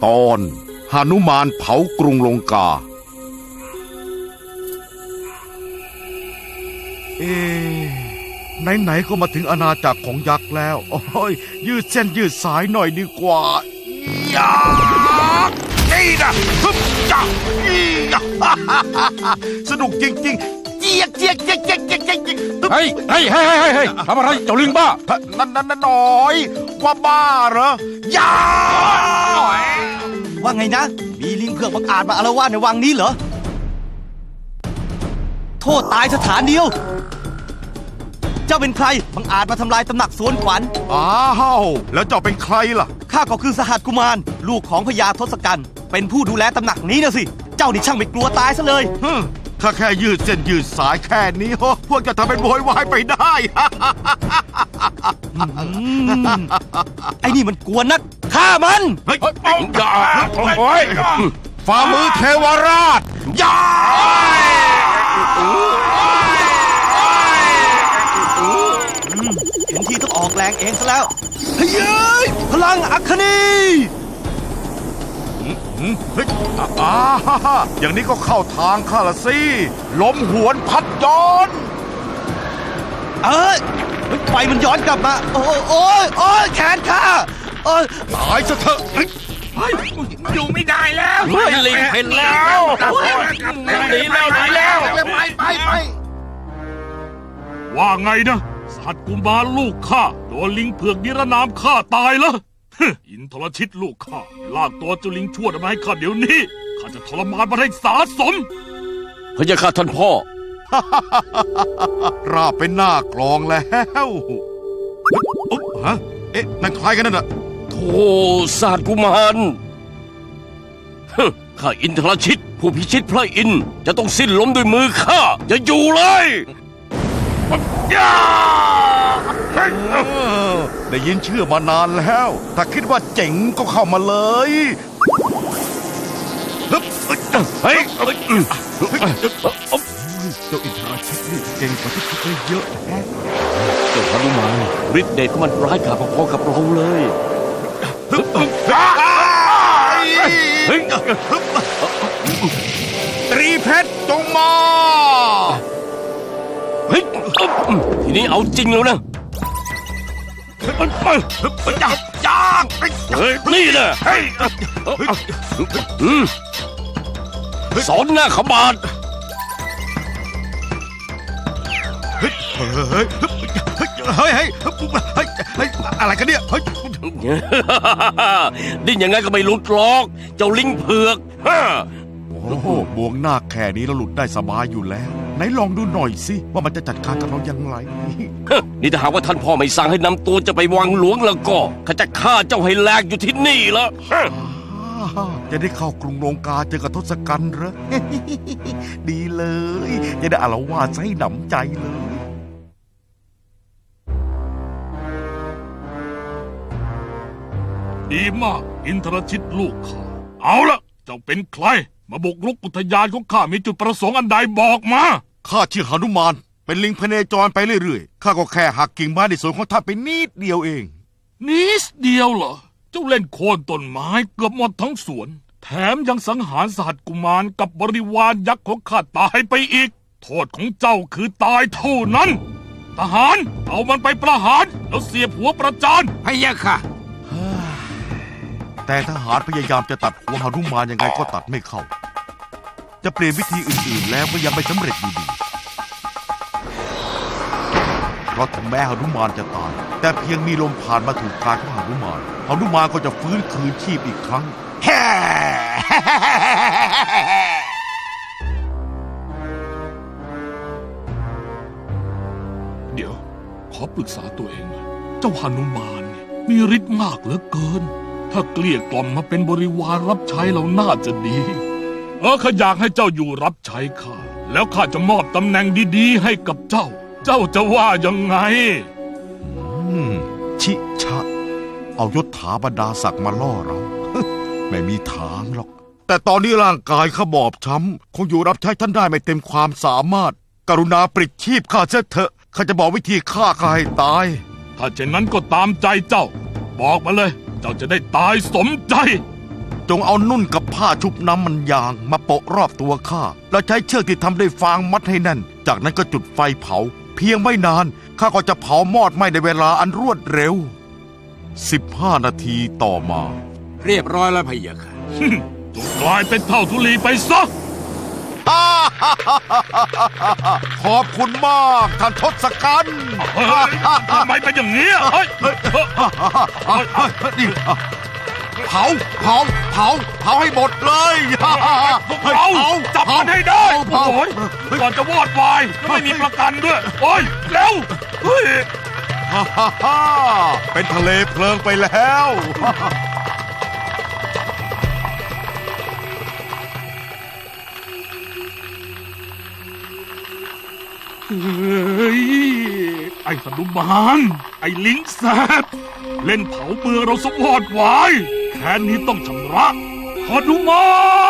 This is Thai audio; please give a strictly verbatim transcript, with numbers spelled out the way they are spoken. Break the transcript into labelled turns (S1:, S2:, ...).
S1: ตอนหนุมานเผากรุงลงกาเอ๊ไหนๆก็มาถึงอาณาจักรของยักษ์แล้วโอ้ยยืดเส้นยืดสายหน่อยดีกว่ายักษ์นี่นะฮึบจักสนุกจริงๆเจี๊ยกเจี๊ยกเจี๊ยกเจี๊ยกเจี๊ยกเจี๊ยก
S2: เฮ้ยเฮ้ยเฮ้ยเฮ้ยทำอะไรเจ้าลิงบ้า
S1: นั่นนั่นนั่นหน่อยว่าบ้าเหรอยักษ์
S3: ว่าไงนะมีลิงเผือกบังอาจมาอาละวาดในวังนี้เหรอโทษตายสถานเดียวเจ้าเป็นใครบังอาจมาทำลายตำหนักสวนขวัญ
S1: อ้าวแล้วเจ้าเป็นใครล่ะ
S3: ข้าก็คือสหัสกุมารลูกของพญาทศกัณฐ์เป็นผู้ดูแลตำหนักนี้นะสิเจ้านี่ช่างไม่กลัวตายซะเลย
S1: ถ้าแค่ยืดเส้นยืดสายแค่นี้โอ้พวกจะทำเป็นโวยวายไปได้
S3: ไอ้นี่มันกลัวนักฆ่ามัน
S1: เฮ้ยอย่าโอ้ยฝ่ามือเทวราชอย่า
S3: เห็นทีต้องออกแรงเองซะแล้วเฮ้ยพลังอัคนี
S1: เฮ้ยอ่าอย่างนี้ก็เข้าทางข้าละสิล้มหวนพัดย้อน
S3: เอ้ยไฟมันย้อนกลับมาโอ้ยโอ้ยโอ้ยแขนข้าโอ้ย
S1: ตายซะเถอะ
S4: อยู่ไม่ได้แล้ว
S2: ไม่ลิงเห็นแล้วหนีแล้วหนีแล้ว
S4: ไปไปไป
S5: ว่าไงนะสัตว์กุมารลูกข้าโดนลิงเผือกนิรนามฆ่าตายแล้วอินทรชิตลูกข้าลากตัวเจ้าลิงชั่วมาให้ข้าเดี๋ยวนี้ข้าจะทรมานมันให้สาสม
S2: พระยาค่ะท่านพ่อ
S1: ราบเป็นหน้ากลองแล้วอุ๊บฮะเอ๊ะนั่นใครกันนั่นน่ะ
S2: โธ่ศาสตร์กุมารข้าอินทรชิตผู้พิชิตพระอินทร์จะต้องสิ้นล้มด้วยมือข้าจะอยู่เลย
S1: ได้ยินชื่อมานานแล้วถ้าคิดว่าเจ๋งก็เข้ามาเลยเฮ้ยเจ้าอินทรชิตนี่เก่งกว่าที่คิดได้เยอะแฮะ
S2: เจ้าหนุมานฤทธิ์เดชของมันร้ายกาจพอๆกับเราเลย
S1: เฮ้ยตรีเพชรจงมา
S2: เฮ้ยทีนี้เอาจริงแล้วนะ
S1: ยากยาก
S2: เฮ้ยนี่นะสอนหน้าขบาด
S1: เฮ้ยเฮ้ยเฮ้ยเฮ้ยเฮ้ยอะไรกันเนี่ยเฮ้ย
S2: ดิ้นยังไงก็ไม่หลุดหรอกเจ้าลิงเผือก
S1: โอ้โหบวงหน้าแค่นี้เราหลุดได้สบายอยู่แล้วไหนลองดูหน่อยสิว่ามันจะจัดการกับเราอย่างไร
S2: นี่ถ้าหากว่าท่านพ่อไม่สั่งให้นำตัวจะไปวังหลวงแล้วก็ข้าจะฆ่าเจ้าให้แหลกอยู่ที่นี่ละ
S1: จะได้เข้ากรุงลงกาเจอกับทศกัณฐ์เหรอดีเลยจะได้อาละวาดให้หนำใจเลย
S5: ดีมากอินทรชิตลูกข้าเอาละเจ้าเป็นใครมาบุกรุกอุทยานของข้ามีจุดประสงค์อันใดบอกมา
S1: ข้าชื่อหนุมานเป็นลิงพเนจรไปเรื่อยๆข้าก็แค่หักกิ่งไม้ในสวนของท่านไปนิดเดียวเอง
S5: นิดเดียวเหรอเจ้าเล่นโค่นต้นไม้เกือบหมดทั้งสวนแถมยังสังหารสหัสกุมารกับบริวารยักษ์ของข้าตายไปอีกโทษของเจ้าคือตายเท่านั้นทหารเอามันไปประหารแล้วเสียบหัวประจาน
S4: พะยะค่ะ
S1: แต่ทหารพยายามจะตัดหัวหนุมานยังไงก็ตัดไม่เข้าจะเปลี่ยนวิธีอื่นๆแล้วก็ยังไม่สำเร็จอยู่ดีเพราะถึงแม้หนุมานจะตายแต่เพียงมีลมผ่านมาถูกกายของหนุมานหนุมานก็จะฟื้นคืนชีพอีกครั้งแฮ่
S5: เดี๋ยวขอปรึกษาตัวเองหน่อยเจ้าหนุมานเนี่ยมีฤทธิ์มากเหลือเกินถ้าเกลี้ยกล่อมมาเป็นบริวารรับใช้เราน่าจะดีเออข้าอยากให้เจ้าอยู่รับใช้ข้าแล้วข้าจะมอบตำแหน่งดีๆให้กับเจ้าเจ้าจะว่ายังไง
S1: ชิชะเอายศถาบรรดาศักดิ์มาล่อเราไม่มีทางหรอกแต่ตอนนี้ร่างกายข้าบอบช้ำคงอยู่รับใช้ท่านได้ไม่เต็มความสามารถกรุณาปลิดชีพข้าเสียเถอะข้าจะบอกวิธีฆ่าข้าให้ตาย
S5: ถ้าเช่นนั้นก็ตามใจเจ้าบอกมาเลยเจ้าจะได้ตายสมใจ
S1: จงเอานุ่นกับผ้าชุบน้ำมันยางมาโปะรอบตัวข้าแล้วใช้เชือกที่ทำด้วยฟางมัดให้แน่น จากนั้นก็จุดไฟเผา เพียงไม่นานข้าก็จะเผามอดไหม้ในเวลาอันรวดเร็วสิบห้านาทีต่อมา
S4: เรียบร้อยแล้วพะเยะค่ะ
S5: จงกลายเป็นเท่าทุลีไปซะ
S1: ขอบคุณมากท่านทศกัณฐ์
S5: เฮ้ยทำไมเป็นอย่างนี้อะเฮ้ยเฮ้ยเฮ้ย
S1: นี่เผาเผาเผาเผาให้หมดเลย
S5: พวกเราจับมันให้ได้
S1: เผา
S5: โอ้ยก่อนจะวอดวายแล้วไม่มีประกันด้วย โอ้ยเร็วเฮ้ย
S1: ฮ่าฮ่าฮ่าเป็นทะเลเพลิงไปแล้ว
S5: เฮ้ยไอ้หนุมานไอ้ลิงแซบเล่นเผาเมืองเราสวอดวายแค้นนี้ต้องชำระหนุมาน